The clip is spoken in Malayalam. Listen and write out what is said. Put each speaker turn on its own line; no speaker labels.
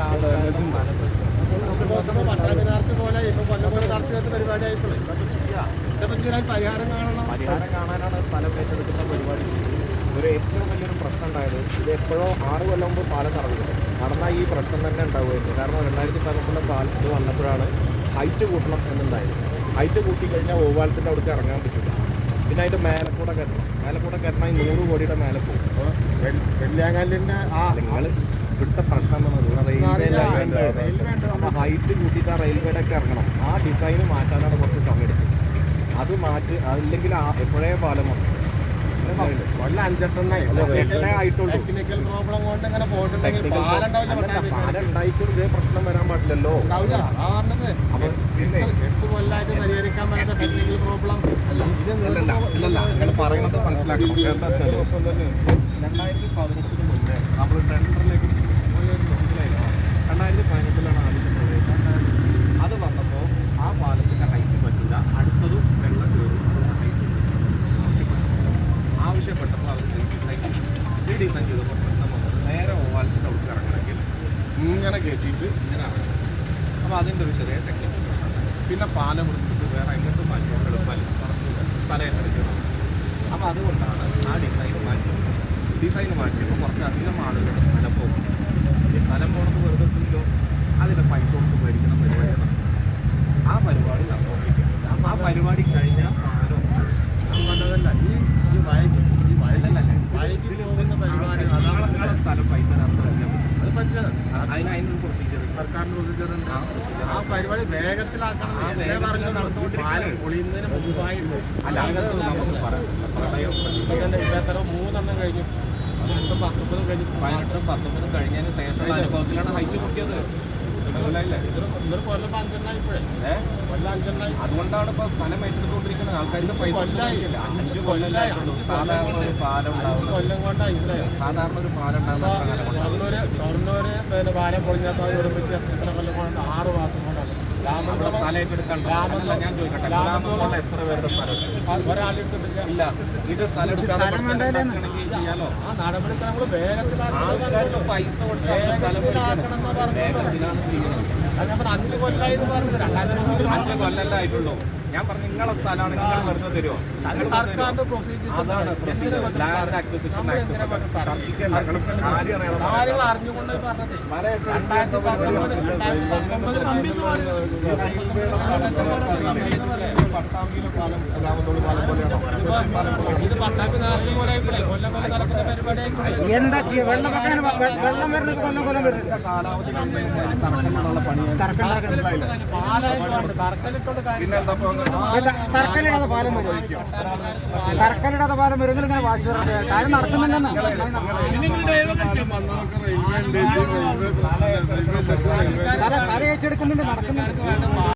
പട്ടാഭിനാർച്ച് പോലെ ഇപ്പൊ കൊല്ലം നടത്തി വെച്ച പരിപാടിയായിപ്പോഴേ പരിഹാരം കാണണം.
പരിഹാരം കാണാനാണ് സ്ഥലം ഏറ്റെടുക്കുന്ന പരിപാടി. ഒരു ഏറ്റവും വലിയൊരു പ്രശ്നം ഉണ്ടായത് ഇത് എപ്പോഴോ 6 കൊല്ലം മുമ്പ് പാലം നടന്നാൽ ഈ പ്രശ്നം തന്നെ ഉണ്ടാവുമായിരുന്നു. കാരണം 2013 പാലത്തിൽ വന്നപ്പോഴാണ് ഹൈറ്റ് കൂട്ടണം എന്നുണ്ടായത്. ഹൈറ്റ് കൂട്ടിക്കഴിഞ്ഞാൽ ഓവാലത്തിൻ്റെ അവിടേക്ക് ഇറങ്ങാൻ പറ്റില്ല. പിന്നെ അതിൻ്റെ മേലക്കൂടെ കയറണം 100 കോടിയുടെ മേലെ പോകും.
വെള്ളിയാങ്കല്ലിൻ്റെ
നിങ്ങൾ വിട്ട പ്രശ്നം എന്നുള്ളത് അപ്പോൾ ഹൈറ്റ് കൂട്ടിയിട്ട് ആ റെയിൽവേയുടെ ഒക്കെ ഇറങ്ങണം. ആ ഡിസൈന് മാറ്റാനാണ് കുറച്ച് സമയം എടുക്കുന്നത്. അത് മാറ്റി അതില്ലെങ്കിൽ എപ്പോഴേ പാലം വന്നു
കൊല്ലം 5-8
ആയിട്ടുള്ളൂ.
ടെക്നിക്കൽ പ്രോബ്ലം കൊണ്ട് ഇങ്ങനെ പോയിട്ടുണ്ടെങ്കിൽ
പാലം ഉണ്ടായിട്ടും ഇതേ പ്രശ്നം വരാൻ പാടില്ലല്ലോ.
അപ്പൊ 8 കൊല്ലമായിട്ട് പരിഹരിക്കാൻ പറ്റാത്ത ടെക്നിക്കൽ പ്രോബ്ലം
ഇല്ലല്ല നിങ്ങൾ പറയുന്നത് മനസ്സിലാക്കണം. എന്താ വെച്ചാൽ 2018 മുന്നേ നമ്മൾ ടെൻഡറിലേക്ക് 2018 ആദ്യത്തെ അത് വന്നപ്പോൾ ആ പാലത്തിൻ്റെ ഹൈറ്റ് പറ്റില്ല, അടുത്തതും വെള്ളം കയറും, ആവശ്യപ്പെട്ടപ്പോൾ അവർ ഡിസൈൻ ചെയ്തപ്പോൾ പ്രശ്നം വന്നത് നേരെ ഓവാലത്തിൻ്റെ അവിടെ ഇറങ്ങണമെങ്കിൽ ഇങ്ങനെ കയറ്റിയിട്ട് ഇങ്ങനെ ഇറങ്ങണം. അപ്പോൾ അതിൻ്റെ ഒരു ചെറിയ ടെക്നിക്കൽ പ്രശ്നം. പിന്നെ പാലം എടുത്തിട്ട് വേറെ എങ്ങോട്ടും മാറ്റി എളുപ്പമല്ല സ്ഥലം ഏറ്റെടുക്കണം. അപ്പോൾ അതുകൊണ്ടാണ് ആ ഡിസൈൻ മാറ്റിയപ്പോൾ കുറച്ചധികം ആളുകളുടെ സ്ഥലം പോകും. ഈ സ്ഥലം പോകണമെന്ന് വെറുതെ എത്തില്ലോ, അതിൻ്റെ പൈസ കൊടുത്ത് മേടിക്കണം പരിപാടിയാണ്. ആ പരിപാടി നടന്നുകൊണ്ടിരിക്കുന്നത്. ആ പരിപാടി കഴിഞ്ഞാൽ പാലം
പറഞ്ഞതല്ല ഈ വൈകി പോകുന്ന പരിപാടി
നിങ്ങളെ സ്ഥലം പൈസ
അത് പറ്റില്ല.
അതിനൊരു പ്രൊസീജിയർ
സർക്കാരിൻ്റെ പ്രൊസീജിയർ ഉണ്ട്. ആ പരിപാടി വേഗത്തിലാക്കണം. പാലം പൊളിയുന്നതിന് മുമ്പായിട്ട്
അല്ലാതെ നമുക്ക് പറയാം. പ്രളയം
ഇപ്പൊ തന്നെ ഇല്ലാത്തരം 3 കഴിഞ്ഞു. 19 കഴിഞ്ഞു.
18-19 കഴിഞ്ഞതിന് ശേഷമുള്ള അനുഭവത്തിലാണ് ഹൈറ്റ് കൂട്ടിയത്.
ഇതൊരു കൊല്ലം 5 ഇപ്പോഴേ കൊല്ലം 5
അതുകൊണ്ടാണ് ഇപ്പോൾ സ്ഥലം ഏറ്റെടുത്തുകൊണ്ടിരിക്കുന്നത്. ആൾക്കാർക്ക് പൈസ 5 കൊല്ലം സാധാരണ ഒരു പാലം
കൊല്ലം കൊണ്ടായി
സാധാരണ ഒരു പാലം ഉണ്ടാകുന്ന
ഷൊർണൂര് പിന്നെ പാലം പൊളിഞ്ഞാൽ ഒരുമിച്ച് എത്ര കൊല്ലം കൊണ്ട് 6 മാസം കൊണ്ടാണ്
സ്ഥലം ഏറ്റെടുക്കാൻ. ഞാൻ ചോദിക്കട്ടെ, എത്ര പേരുടെ സ്ഥലം
ഒരാളെടുത്തിട്ടില്ല.
ഇല്ല, ഇത് സ്ഥലം ചെയ്യാലോ.
ആ നടപടിക്ക് നമ്മൾ വേഗത്തിലാക്കണം.
പൈസ കൊടുത്ത് വേഗത്തിലാണ് ചെയ്യുന്നത്.
5 കൊല്ലമായി പറഞ്ഞത്
5 കൊല്ലല്ല ആയിട്ടുള്ളൂ. ഞാൻ പറഞ്ഞു നിങ്ങളെ സ്ഥലമാണ്, നിങ്ങൾ വെറുതെ തരുമോ?
സർക്കാരിന്റെ പ്രൊസീജിയർ
അതാണ് ലാൻഡ് അക്വിസിഷൻ
കാര്യങ്ങൾ അറിഞ്ഞുകൊണ്ട് പറഞ്ഞത് 2019
പട്ടാമ്പിയിലെ പാലം രാമന്തോളി പാലം പോലെയാണോ?
ഇത് പട്ടാമ്പി നേരത്തെ പോലെ കൊല്ലം കൊല്ലം നടക്കുന്ന പരിപാടി
എന്താ ചെയ്യുക? വെള്ളം വരുന്നത് കൊല്ലം വരുന്നത്
കാലാവധി തറക്കല്ലിടാനുള്ള പണി
പാലായിട്ടുണ്ട്. തറക്കല്ലിട്ടോണ്ട്
പിന്നെ എന്താ
തറക്കല്ലിടാതെ പാലം വരും. തറക്കല്ലിടാതെ പാലം വരുമെങ്കിൽ ഇങ്ങനെ വാശി പറയുന്നത് കാര്യം നടക്കുന്നുണ്ടെന്ന് സ്ഥലം ഏറ്റെടുക്കുന്നുണ്ട്, നടക്കുന്നുണ്ട്.